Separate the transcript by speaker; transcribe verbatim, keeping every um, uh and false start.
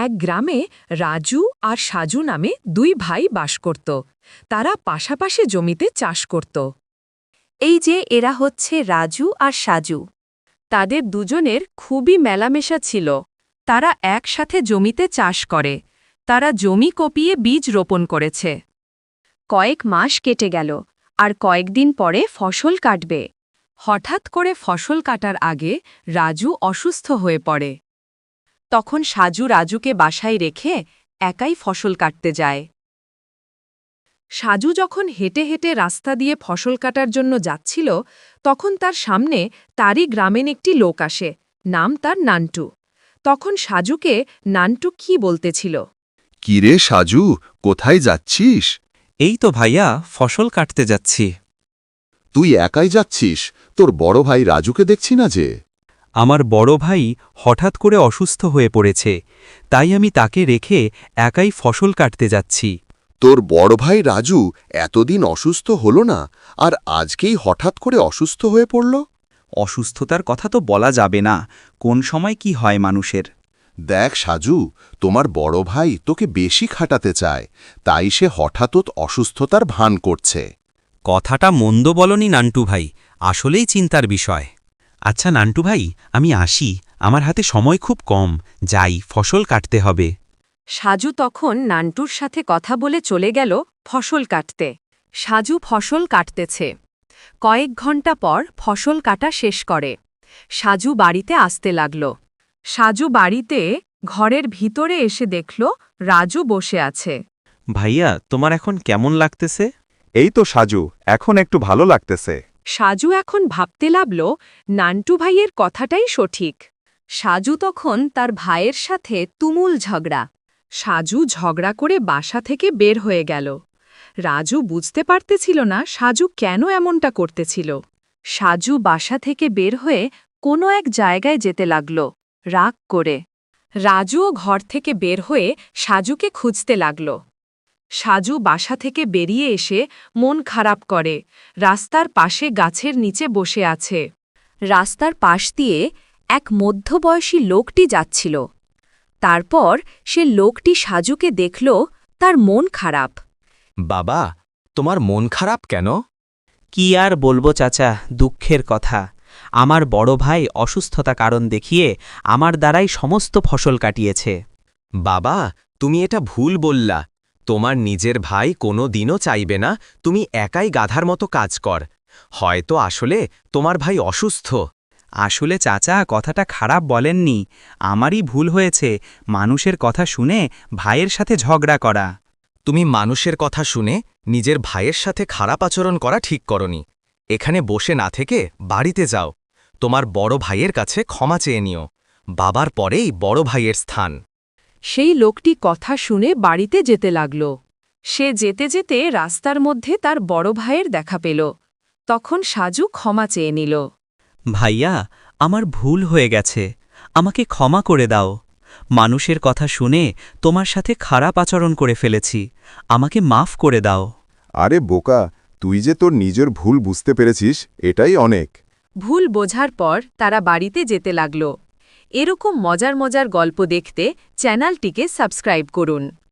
Speaker 1: এক গ্রামে রাজু আর সাজু নামে দুই ভাই বাস করত। তারা পাশাপাশি জমিতে চাষ করত।
Speaker 2: এই যে এরা হচ্ছে রাজু আর সাজু।
Speaker 1: তাদের দুজনের খুবই মেলামেশা ছিল। তারা একসাথে জমিতে চাষ করে। তারা জমি কপিয়ে বীজ রোপণ করেছে।
Speaker 2: কয়েক মাস কেটে গেল, আর কয়েকদিন পরে ফসল কাটবে।
Speaker 1: হঠাৎ করে ফসল কাটার আগে রাজু অসুস্থ হয়ে পড়ে।
Speaker 2: তখন সাজু রাজুকে বাসায় রেখে একাই ফসল কাটতে যায়।
Speaker 1: সাজু যখন হেঁটে হেঁটে রাস্তা দিয়ে ফসল কাটার জন্য যাচ্ছিল, তখন তার সামনে তারই গ্রামের একটি লোক আসে। নাম তার নান্টু। তখন সাজুকে নান্টু কি বলতেছিল।
Speaker 3: কিরে সাজু, কোথায় যাচ্ছিস?
Speaker 4: এই তো ভাইয়া, ফসল কাটতে যাচ্ছি।
Speaker 3: তুই একাই যাচ্ছিস? তোর বড় ভাই রাজুকে দেখছি না যে।
Speaker 4: আমার বড় ভাই হঠাৎ করে অসুস্থ হয়ে পড়েছে, তাই আমি তাকে রেখে একাই ফসল কাটতে যাচ্ছি।
Speaker 3: তোর বড় ভাই রাজু এতদিন অসুস্থ হলো না, আর আজকেই হঠাৎ করে অসুস্থ হয়ে পড়ল?
Speaker 5: অসুস্থতার কথা তো বলা যাবে না, কোন সময় কি হয় মানুষের।
Speaker 3: দেখ সাজু, তোমার বড় ভাই তোকে বেশি খাটাতে চায়, তাই সে হঠাৎ অসুস্থতার ভান করছে।
Speaker 4: কথাটা মন্দ বলনি নান্টু ভাই, আসলেই চিন্তার বিষয়। আচ্ছা নান্টু ভাই, আমি আসি, আমার হাতে সময় খুব কম, যাই, ফসল কাটতে হবে।
Speaker 1: সাজু তখন নান্টুর সাথে কথা বলে চলে গেল ফসল কাটতে। সাজু ফসল কাটতেছে। কয়েক ঘণ্টা পর ফসল কাটা শেষ করে সাজু বাড়িতে আসতে লাগল। সাজু বাড়িতে ঘরের ভিতরে এসে দেখল রাজু বসে আছে।
Speaker 4: ভাইয়া, তোমার এখন কেমন লাগতেছে?
Speaker 5: এই তো সাজু, এখন একটু ভালো লাগতেছে।
Speaker 1: সাজু এখন ভাবতে লাগল নান্টু ভাইয়ের কথাটাই সঠিক। সাজু তখন তার ভাইয়ের সাথে তুমুল ঝগড়া। সাজু ঝগড়া করে বাসা থেকে বের হয়ে গেল। রাজু বুঝতে পারতেছিল না সাজু কেন এমনটা করতেছিল। সাজু বাসা থেকে বের হয়ে কোনো এক জায়গায় যেতে লাগল রাগ করে। রাজুও ঘর থেকে বের হয়ে সাজুকে খুঁজতে লাগল। সাজু বাসা থেকে বেরিয়ে এসে মন খারাপ করে রাস্তার পাশে গাছের নিচে বসে আছে।
Speaker 2: রাস্তার পাশ দিয়ে এক মধ্যবয়সী লোকটি যাচ্ছিল। তারপর সে লোকটি সাজুকে দেখল, তার মন খারাপ।
Speaker 6: বাবা, তোমার মন খারাপ কেন?
Speaker 7: কি আর বলবো চাচা, দুঃখের কথা। আমার বড় ভাই অসুস্থতা কারণ দেখিয়ে আমার দ্বারাই সমস্ত ফসল কাটিয়েছে।
Speaker 6: বাবা, তুমি এটা ভুল বললা। তোমার নিজের ভাই কোনো দিনও চাইবে না তুমি একাই গাধার মতো কাজ কর। হয়তো আসলে তোমার ভাই অসুস্থ।
Speaker 7: আসলে চাচা, কথাটা খারাপ বলেননি, আমারই ভুল হয়েছে মানুষের কথা শুনে ভাইয়ের সাথে ঝগড়া করা।
Speaker 6: তুমি মানুষের কথা শুনে নিজের ভাইয়ের সাথে খারাপ আচরণ করা ঠিক করনি। এখানে বসে না থেকে বাড়িতে যাও, তোমার বড় ভাইয়ের কাছে ক্ষমা চেয়ে নিও। বাবার পরেই বড় ভাইয়ের স্থান।
Speaker 1: সেই লোকটি কথা শুনে বাড়িতে যেতে লাগল। সে যেতে যেতে রাস্তার মধ্যে তার বড় ভাইয়ের দেখা পেল। তখন সাজু ক্ষমা চেয়ে নিল।
Speaker 7: ভাইয়া, আমার ভুল হয়ে গেছে, আমাকে ক্ষমা করে দাও। মানুষের কথা শুনে তোমার সাথে খারাপ আচরণ করে ফেলেছি, আমাকে মাফ করে দাও।
Speaker 3: আরে বোকা, তুই যে তোর নিজের ভুল বুঝতে পেরেছিস, এটাই অনেক।
Speaker 1: ভুল বোঝার পর তারা বাড়িতে যেতে লাগল। এরকম মজার মজার গল্প দেখতে চ্যানেলটিকে সাবস্ক্রাইব করুন।